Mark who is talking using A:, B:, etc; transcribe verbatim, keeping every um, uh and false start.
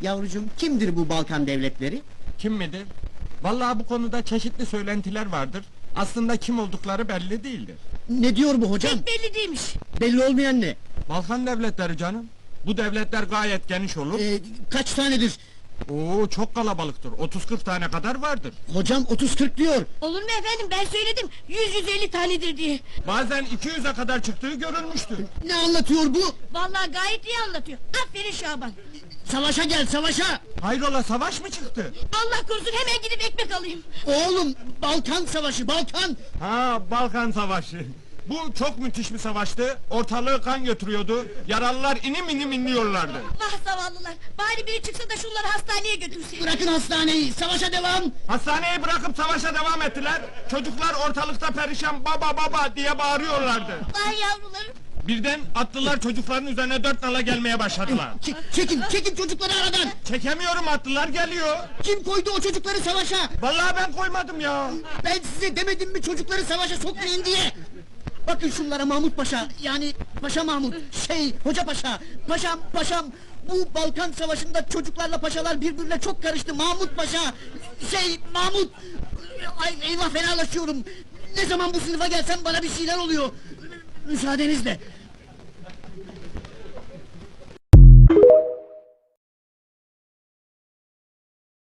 A: Yavrucuğum, kimdir bu Balkan devletleri?
B: Kim midir? Vallahi bu konuda çeşitli söylentiler vardır. Aslında kim oldukları belli değildir.
A: Ne diyor bu hocam?
C: Pek belli değilmiş.
A: Belli olmayan ne?
B: Balkan devletleri canım. Bu devletler gayet geniş olur.
A: Ee, kaç tanedir?
B: Oo, çok kalabalıktır. otuz kırk tane kadar vardır.
A: Hocam otuz kırk diyor.
C: Olur mu efendim, ben söyledim yüz yüz elli tanedir diye.
B: Bazen iki yüze kadar çıktığı görülmüştür.
A: Ne anlatıyor bu?
C: Vallahi gayet iyi anlatıyor. Aferin Şaban.
A: Savaşa gel, savaşa!
B: Hayrola, savaş mı çıktı?
C: Allah korusun, hemen gidip ekmek alayım.
A: Oğlum, Balkan savaşı, Balkan!
B: Ha, Balkan Savaşı. Bu çok müthiş bir savaştı. Ortalığı kan götürüyordu. Yaralılar inim inim inliyorlardı.
C: Vah zavallılar, bari biri çıksa da şunları hastaneye götürse.
A: Bırakın hastaneyi, savaşa devam!
B: Hastaneyi bırakıp savaşa devam ettiler. Çocuklar ortalıkta perişan baba baba diye bağırıyorlardı.
C: Vay yavrularım.
B: Birden atlılar çocukların üzerine dört nala gelmeye başladılar.
A: Ç- çekin, çekin çocukları aradan!
B: Çekemiyorum, atlılar geliyor.
A: Kim koydu o çocukları savaşa?
B: Vallahi ben koymadım ya.
A: Ben size demedim mi çocukları savaşa sokmayın diye? Bakın şunlara Mahmut Paşa, yani Paşa Mahmut, şey, Hoca Paşa, paşam, paşam... Bu Balkan Savaşı'nda çocuklarla paşalar birbirine çok karıştı, Mahmut Paşa! Şey, Mahmut! Ay, eyvah, fenalaşıyorum! Ne zaman bu sınıfa gelsem bana bir şeyler oluyor! Müsaadenizle!